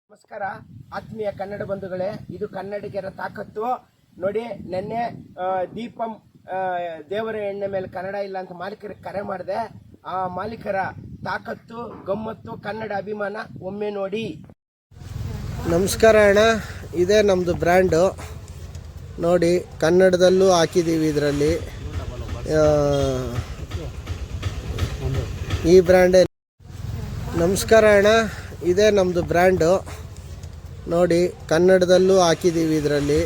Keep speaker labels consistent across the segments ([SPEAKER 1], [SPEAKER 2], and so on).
[SPEAKER 1] ನಮಸ್ಕಾರ ಆತ್ಮೀಯ ಕನ್ನಡ ಬಂಧುಗಳೇ, ಇದು ಕನ್ನಡಿಗರ ತಾಕತ್ತು. ನೋಡಿ, ನಿನ್ನೆ ದೀಪಂ ದೇವರ ಎಣ್ಣೆ ಮೇಲೆ ಕನ್ನಡ ಇಲ್ಲ ಅಂತ ಮಾಲೀಕರಿಗೆ ಕರೆ ಮಾಡಿದೆ. ಆ ಮಾಲೀಕರ ತಾಕತ್ತು, ಗಮ್ಮತ್ತು, ಕನ್ನಡ ಅಭಿಮಾನ ಒಮ್ಮೆ ನೋಡಿ.
[SPEAKER 2] ನಮಸ್ಕಾರ ಅಣ್ಣ, ಇದೇ ನಮ್ಮದು ಬ್ರ್ಯಾಂಡು. ನೋಡಿ, ಕನ್ನಡದಲ್ಲೂ ಹಾಕಿದ್ದೀವಿ ಇದರಲ್ಲಿ. ಈ ಬ್ರ್ಯಾಂಡೇ. ನಮಸ್ಕಾರ ಅಣ್ಣ, ಇದೇ ನಮ್ಮದು ಬ್ರ್ಯಾಂಡು. ನೋಡಿ, ಕನ್ನಡದಲ್ಲೂ ಹಾಕಿದ್ದೀವಿ ಇದರಲ್ಲಿ.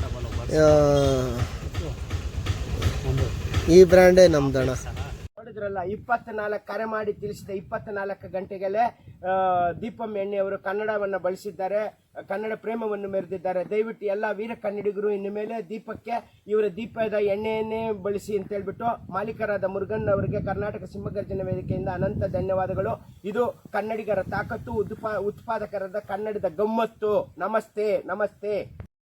[SPEAKER 2] ಈ ಬ್ರ್ಯಾಂಡೇ ನಮ್ದಣ್ಣ.
[SPEAKER 1] ನೋಡಿದ್ರಲ್ಲ, 24 ಕರೆ ಮಾಡಿ ತಿಳಿಸಿದ 24 ಗಂಟೆಗಲ್ಲೇ ದೀಪಂ ಎಣ್ಣೆಯವರು ಕನ್ನಡವನ್ನು ಬಳಸಿದ್ದಾರೆ, ಕನ್ನಡ ಪ್ರೇಮವನ್ನು ಮೆರೆದಿದ್ದಾರೆ. ದಯವಿಟ್ಟು ಎಲ್ಲ ವೀರ ಕನ್ನಡಿಗರು ಇನ್ನು ಮೇಲೆ ದೀಪಕ್ಕೆ ಇವರ ದೀಪದ ಎಣ್ಣೆಯನ್ನೇ ಬಳಸಿ ಅಂತ ಹೇಳ್ಬಿಟ್ಟು ಮಾಲೀಕರಾದ ಮುರುಗನ್ ಅವರಿಗೆ ಕರ್ನಾಟಕ ಸಿಂಹಗರ್ಜನ ವೇದಿಕೆಯಿಂದ ಅನಂತ ಧನ್ಯವಾದಗಳು. ಇದು ಕನ್ನಡಿಗರ ತಾಕತ್ತು, ಉತ್ಪಾದಕರಾದ ಕನ್ನಡದ ಗಮ್ಮತ್ತು. ನಮಸ್ತೆ ನಮಸ್ತೆ.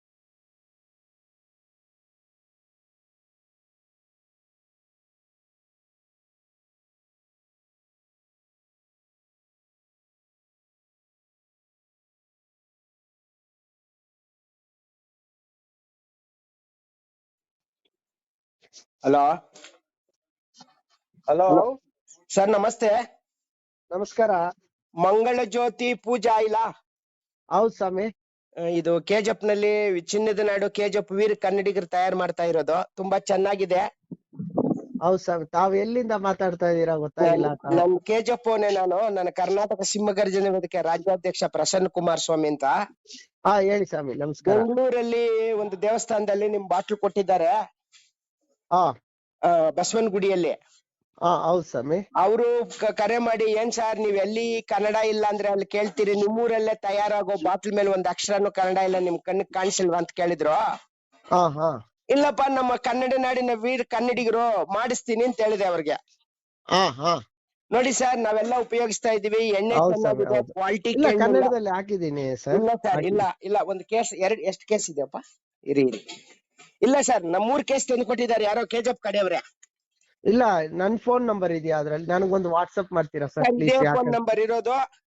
[SPEAKER 1] ಹಲೋ
[SPEAKER 2] ಹಲೋ
[SPEAKER 1] ಸರ್, ನಮಸ್ತೆ.
[SPEAKER 2] ನಮಸ್ಕಾರ.
[SPEAKER 1] ಮಂಗಳ ಜ್ಯೋತಿ ಪೂಜಾ ಇಲ್ಲ?
[SPEAKER 2] ಹೌದು ಸ್ವಾಮಿ.
[SPEAKER 1] ಇದು ಕೆಜಿಎಫ್ ನಲ್ಲಿ ಚಿನ್ನದ ನಾಡು ಕೆಜಿಎಫ್ ವೀರ ಕನ್ನಡಿಗರು ತಯಾರು ಮಾಡ್ತಾ ಇರೋದು. ತುಂಬಾ ಚೆನ್ನಾಗಿದೆ.
[SPEAKER 2] ಹೌದು ಸ್ವಾಮಿ, ತಾವು ಎಲ್ಲಿಂದ ಮಾತಾಡ್ತಾ ಇದ್ದೀರಾ ಗೊತ್ತಾಗಿಲ್ಲ.
[SPEAKER 1] ನಮ್ ಕೆಜಿಎಫ್ ನನ್ನ ಕರ್ನಾಟಕ ಸಿಂಹಗರ್ಜನ ವೇದಿಕೆ ರಾಜ್ಯಾಧ್ಯಕ್ಷ ಪ್ರಸನ್ನ ಕುಮಾರ್ ಸ್ವಾಮಿ ಅಂತ.
[SPEAKER 2] ಹೇಳಿ ಸ್ವಾಮಿ. ನಮಸ್ಕಾರ.
[SPEAKER 1] ಬೆಂಗಳೂರಲ್ಲಿ ಒಂದು ದೇವಸ್ಥಾನದಲ್ಲಿ ನಿಮ್ ಬಾಟ್ಲು ಕೊಟ್ಟಿದ್ದಾರೆ, ಬಸವನ ಗುಡಿಯಲ್ಲಿ.
[SPEAKER 2] ಹೌದು ಸ್ವಾಮಿ.
[SPEAKER 1] ಅವರು ಕರೆ ಮಾಡಿ, ಏನ್ ಸರ್ ನೀವ್ ಎಲ್ಲಿ ಕನ್ನಡ ಇಲ್ಲ ಅಂದ್ರೆ ಅಲ್ಲಿ ಕೇಳ್ತೀರಿ, ನಿಮ್ಮೂರಲ್ಲೇ ತಯಾರಾಗೋ ಬಾಟ್ಲ್ ಮೇಲೆ ಒಂದ್ ಅಕ್ಷರನು ಕನ್ನಡ ಇಲ್ಲ, ನಿಮ್ ಕಣ್ಣಿಗೆ ಕಾಣಿಸಿಲ್ವಾ ಅಂತ ಕೇಳಿದ್ರು. ಇಲ್ಲಪ್ಪ, ನಮ್ಮ ಕನ್ನಡ ನಾಡಿನ ವೀರ ಕನ್ನಡಿಗರು ಮಾಡಿಸ್ತೀನಿ ಅಂತ ಹೇಳಿದೆ ಅವ್ರಿಗೆ. ನೋಡಿ ಸರ್, ನಾವೆಲ್ಲ ಉಪಯೋಗಿಸ್ತಾ ಇದೀವಿ ಎಣ್ಣೆ, ಚೆನ್ನಾಗಿದೆ, ಕ್ವಾಲಿಟಿ.
[SPEAKER 2] ಕನ್ನಡದಲ್ಲಿ ಹಾಕಿದ್ದೀನಿ ಸರ್.
[SPEAKER 1] ಇಲ್ಲ ಸರ್, ಇಲ್ಲ ಒಂದು ಕೇಸ್, ಎಷ್ಟು ಕೇಸ್ ಇದೆಯಪ್ಪ? ಇರಿ. ಇಲ್ಲ ಸರ್, ನಮ್ಮ 3 ಕೇಸ್ ತಂದು ಕೊಟ್ಟಿದ್ದಾರೆ ಯಾರೋ ಕೆಜಿಎಫ್ ಕಡೆಯವ್ರೆ.
[SPEAKER 2] ಇಲ್ಲ, ನನ್ ಫೋನ್ ನಂಬರ್ ಇದೆಯಾ ಅದ್ರಲ್ಲಿ? ನನಗೊಂದು ವಾಟ್ಸ್ಆಪ್ ಮಾಡ್ತೀರಾ ಸರ್ ಪ್ಲೀಸ್?
[SPEAKER 1] ಫೋನ್ ನಂಬರ್ ಇರೋದು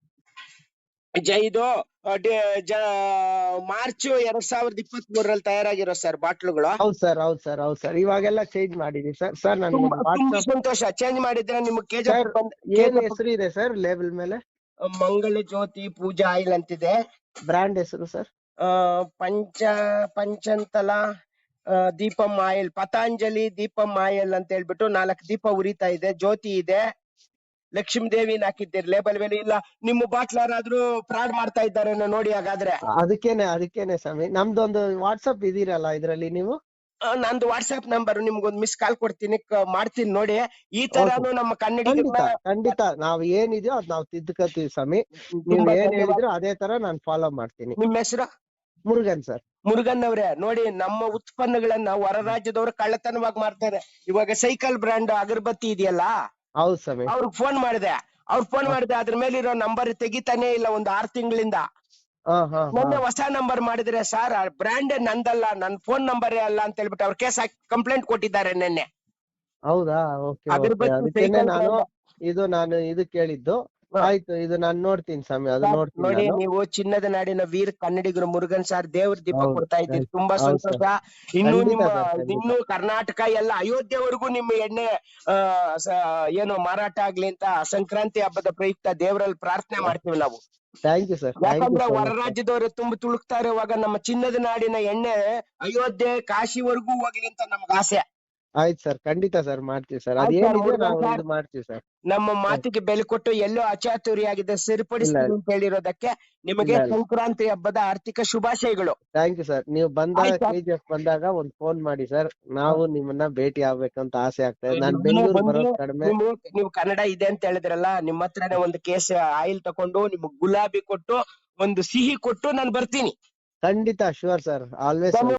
[SPEAKER 1] ಇದು ಮಾರ್ಚ್ 2023 ತಯಾರಾಗಿರೋ ಸರ್ ಬಾಟ್ಲುಗಳು.
[SPEAKER 2] ಹೌದು ಸರ್. ಇವಾಗೆಲ್ಲ ಚೇಂಜ್ ಮಾಡಿದೀವಿ ಸರ್.
[SPEAKER 1] ತುಂಬಾ ಸಂತೋಷ. ಚೇಂಜ್ ಮಾಡಿದ್ರೆ ನಿಮ್ಗೆ ಕೆಜಿಎಫ್
[SPEAKER 2] ಏನ್ ಹೆಸರು ಇದೆ ಸರ್ ಲೇಬಲ್ ಮೇಲೆ?
[SPEAKER 1] ಮಂಗಳ ಜ್ಯೋತಿ ಪೂಜಾ ಆಯಿಲ್ ಅಂತಿದೆ.
[SPEAKER 2] ಬ್ರ್ಯಾಂಡ್ ಹೆಸರು ಸರ್?
[SPEAKER 1] ಪಂಚಂತಲ ದೀಪಂ ಆಯಿಲ್, ಪತಾಂಜಲಿ ದೀಪಂ ಆಯಿಲ್ ಅಂತ ಹೇಳ್ಬಿಟ್ಟು 4 ದೀಪ ಉರಿತಾ ಇದೆ, ಜ್ಯೋತಿ ಇದೆ, ಲಕ್ಷ್ಮೀ ದೇವಿನ ಹಾಕಿದ್ದೀರಿ ಲೇಬಲ್ ಮೇಲೆ. ಇಲ್ಲ ನಿಮ್ಮ ಬಾಟ್ಲ್ ಯಾರಾದ್ರೂ ಫ್ರಾಡ್ ಮಾಡ್ತಾ ಇದ್ದಾರೆ ನೋಡಿ. ಹಾಗಾದ್ರೆ
[SPEAKER 2] ಅದಕ್ಕೇನೆ ಸ್ವಾಮಿ, ನಮ್ದೊಂದು ವಾಟ್ಸಪ್ ಇದೀರಲ್ಲ ಇದ್ರಲ್ಲಿ ನೀವು?
[SPEAKER 1] ನಂದು ವಾಟ್ಸ್ಆಪ್ ನಂಬರ್ ನಿಮ್ಗೊಂದು ಮಿಸ್ ಕಾಲ್ ಕೊಡ್ತೀನಿ, ಮಾಡ್ತೀನಿ ನೋಡಿ. ಈ ತರಾನು ನಮ್ಮ
[SPEAKER 2] ಖಂಡಿತ ನಾವ್ ಏನಿದೆಯೋ ಅದ್ ನಾವ್ ತಿದ್ದುಕತೀವಿ ಸ್ವಾಮಿ. ನೀವ್ ಏನ್ ಹೇಳಿದ್ರು ಅದೇ ತರ ನಾನ್ ಫಾಲೋ ಮಾಡ್ತೀನಿ.
[SPEAKER 1] ನಿಮ್ಮ ಹೆಸರು?
[SPEAKER 2] ಮುರುಗನ್ ಸರ್.
[SPEAKER 1] ಮುರುಗನ್ ಅವರೇ, ನೋಡಿ ನಮ್ಮ ಉತ್ಪನ್ನಗಳನ್ನ ಹೊರ ರಾಜ್ಯದವರು ಕಳ್ಳತನವಾಗಿ ಮಾಡ್ತಾರೆ. ಇವಾಗ ಸೈಕಲ್ ಬ್ರ್ಯಾಂಡ್ ಅಗರಬತ್ತಿ ಇದೆಯಲ್ಲ,
[SPEAKER 2] ಹೌದು ಸ್ವಾಮಿ,
[SPEAKER 1] ಅವ್ರಿಗೆ ಫೋನ್ ಮಾಡಿದೆ. ಅದ್ರ ಮೇಲಿರೋ ನಂಬರ್ ತೆಗಿತಾನೆ ಇಲ್ಲ ಒಂದು 6 ತಿಂಗಳಿಂದ. ಮೊನ್ನೆ ಹೊಸ ನಂಬರ್ ಮಾಡಿದ್ರೆ, ಸರ್ ಬ್ರ್ಯಾಂಡ್ ನಂದಲ್ಲ, ನನ್ ಫೋನ್ ನಂಬರೇ ಅಲ್ಲ ಅಂತ ಹೇಳ್ಬಿಟ್ಟು ಅವ್ರ ಕೇಸ್ ಹಾಕಿ ಕಂಪ್ಲೇಂಟ್ ಕೊಟ್ಟಿದ್ದಾರೆ ನಿನ್ನೆ.
[SPEAKER 2] ಹೌದಾ? ನಾನು ಇದು ಕೇಳಿದ್ದು. ಆಯ್ತು, ಇದು ನಾನು ನೋಡ್ತೀನಿ ಸ್ವಾಮಿ, ಅದು ನೋಡ್ತೀನಿ.
[SPEAKER 1] ನೋಡಿ, ನೀವು ಚಿನ್ನದ ನಾಡಿನ ವೀರ ಕನ್ನಡಿಗರು ಮುರುಗನ್ ಸರ್ ದೇವ್ರ ದೀಪ ಕೊಡ್ತಾ ಇದ್ದೀರಿ, ತುಂಬಾ ಸಂತೋಷ. ಇನ್ನು ಕರ್ನಾಟಕ ಎಲ್ಲ ಅಯೋಧ್ಯೆವರೆಗೂ ನಿಮ್ಮ ಎಣ್ಣೆ ಏನು ಮಾರಾಟ ಆಗ್ಲಿ ಅಂತ ಸಂಕ್ರಾಂತಿ ಹಬ್ಬದ ಪ್ರಯುಕ್ತ ದೇವರಲ್ಲಿ ಪ್ರಾರ್ಥನೆ ಮಾಡ್ತೀವಿ ನಾವು.
[SPEAKER 2] Thank you sir.
[SPEAKER 1] ಯಾಕಂದ್ರೆ ಹೊರ ರಾಜ್ಯದವರು ತುಂಬಾ ತುಳುಕ್ತಾ ಇರುವಾಗ ನಮ್ಮ ಚಿನ್ನದ ನಾಡಿನ ಎಣ್ಣೆ ಅಯೋಧ್ಯೆ ಕಾಶಿವರೆಗೂ ಹೋಗ್ಲಿ ಅಂತ ನಮ್ಗೆ ಆಸೆ.
[SPEAKER 2] ಆಯ್ತು ಸರ್, ಖಂಡಿತ ಸರ್, ಮಾಡ್ತೀವಿ ಸರ್. ಅದೇನಿದೆ ನಾವು ಇದು ಮಾಡ್ತೀವಿ ಸರ್.
[SPEAKER 1] ನಮ್ಮ ಮಾತಿಗೆ ಬೆಲೆ ಕೊಟ್ಟು ಎಲ್ಲೋ ಅಚಾತುರ್ಯಾಗಿದೆ ಸರಿಪಡಿಸ್ತೀನಿ ಅಂತ ಹೇಳಿರೋದಕ್ಕೆ ನಿಮಗೆ ಸಂಕ್ರಾಂತಿ ಹಬ್ಬದ ಆರ್ಥಿಕ ಶುಭಾಶಯಗಳು.
[SPEAKER 2] Thank you sir. ನೀವು ಕೆಜಿಎಫ್ ಬಂದಾಗ ಒಂದ್ ಫೋನ್ ಮಾಡಿ ಸರ್, ನಾವು ನಿಮ್ಮನ್ನ ಭೇಟಿ ಆಗ್ಬೇಕಂತ ಆಸೆ ಆಗ್ತಾ ಇದೆ. ನಾನು ಬೆಂಗಳೂರು ಬರೋದು ಕಡಿಮೆ.
[SPEAKER 1] ನೀವು ಕನ್ನಡ ಇದೆ ಅಂತ ಹೇಳಿದ್ರಲ್ಲ, ನಿಮ್ಮ ಹತ್ರನೇ ಒಂದು ಕೇಸ್ ಆಯಿಲ್ ತಕೊಂಡು ನಿಮ್ಗೆ ಗುಲಾಬಿ ಕೊಟ್ಟು ಒಂದು ಸಿಹಿ ಕೊಟ್ಟು ನಾನು ಬರ್ತೀನಿ.
[SPEAKER 2] ಖಂಡಿತ, ಶೂರ್ ಸರ್, ಆಲ್ವೇಸ್.